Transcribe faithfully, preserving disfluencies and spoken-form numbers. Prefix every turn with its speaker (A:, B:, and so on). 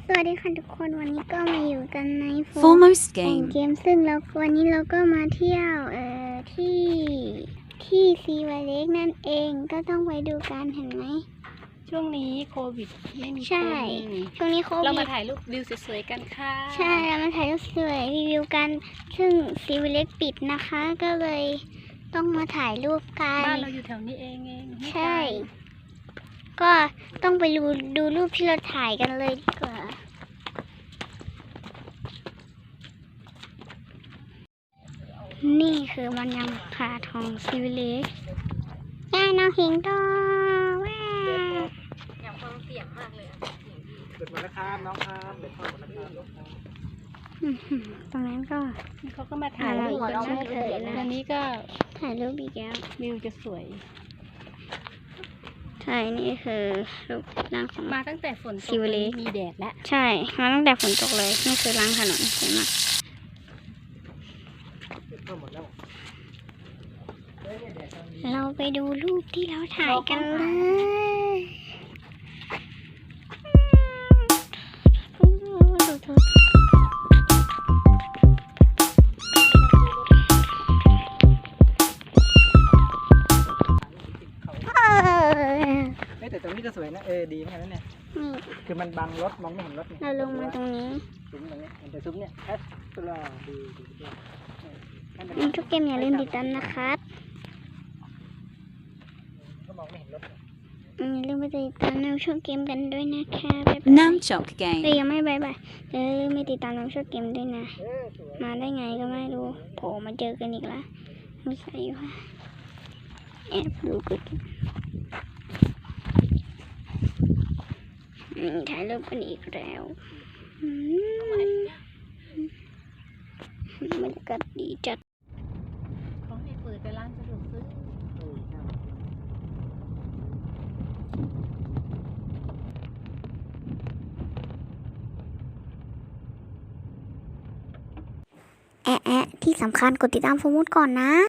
A: สวัสดีค่ะทุกคนวันนี้ก็มาอยู่กันในโฟร์
B: Foremost
A: แห่ง
B: game.
A: เกมซึ่งแล้ววันนี้เราก็มาเที่ยวเอ่อที่ที่ซีวาเล็กนั่นเองก็ต้องไปดูกันเห็นไหม
C: ช่วงนี้โควิดไม่มี
A: ใช่
C: คน
A: ช่วงนี้โค
C: เรา
A: วิ
C: มา
A: ด
C: ถ่ายรูปวิวสวยๆกันค่ะ
A: ใช่เรามาถ่ายรูปสวยรีวิวกันซึ่งซีวาเล็กปิดนะคะ ก็เลยต้องมาถ่ายรูปกัน
C: บ้านเราอยู่แถวนี้เองเองไม่ไกล
A: ใช่ ก็ต้องไปดูดูรูปที่เราถ่ายกันเลยดีกว่านี่คือบรรยากาศของซีวิเลกย่าน้องหิงโตว้า
C: อยากฟังเสียงมากเลย
D: เกิดมาแล้วครับน้องครับเด็กพ่อหมดแล้วครับลูกครับ
A: อื้อหือตรงนั้นก็
C: เขาก็มาถ่ายรูปกัน
A: อ่าเราเฉยๆนะ
C: วันนี้ก็
A: ถ่ายรูปอีกแล้ว
C: วิวจะสวย
A: ใช่นี่คือรูปร่างของ
C: มาตั้งแต่ฝนตก
A: ซิวเล็ก
C: มีแดดแล้ว
A: ใช่มาตั้งแต่ฝนตกเลยนี่คือล้างถนนสวยมาก
D: เด็กพ่อหมดแล้ว
A: เราไปดูรูปที่เราถ่ายกันเลยเออ
D: เฮ้ยแต่ตรงนี้ก็สวยนะเออดีเหมือนกันนะเนี่ย
A: นี่
D: คือมันบังรถมองไม่เห็นรถไง
A: เราลงมาตรงนี้
D: ซุ้มตรงนี้มันจะซุ้มเนี่ยแอสตลอดดีดีดี
A: นี่ทุกเกมอย่าลืมติดตามนะครับ
D: ก็มองไม่เห็นรถ
A: อืมอย่าลืมไปติดตามน้ำช่วงเกมกันด้วยนะคะบ๊ายบาย
B: Namchok
A: เอ้ย
B: game.
A: ยังไม่บายบายอย่าลืมไปติดตามน้ำช่วงเกมด้วยนะ
D: เออสวย
A: มาได้ไงก็ไม่รู้โผล่มาเจอกันอีกแล้วไม่ใช่ว่าแอบดูกันอืมถ่ายรูปกันอีกแล้วอืมบรรยากาศดีจัด
C: เขาให้เปิดไปร้านสะดวกซื้อ
D: เออใช่
A: แอะแอะที่สำคัญกดติดตามโฟมุดก่อนนะ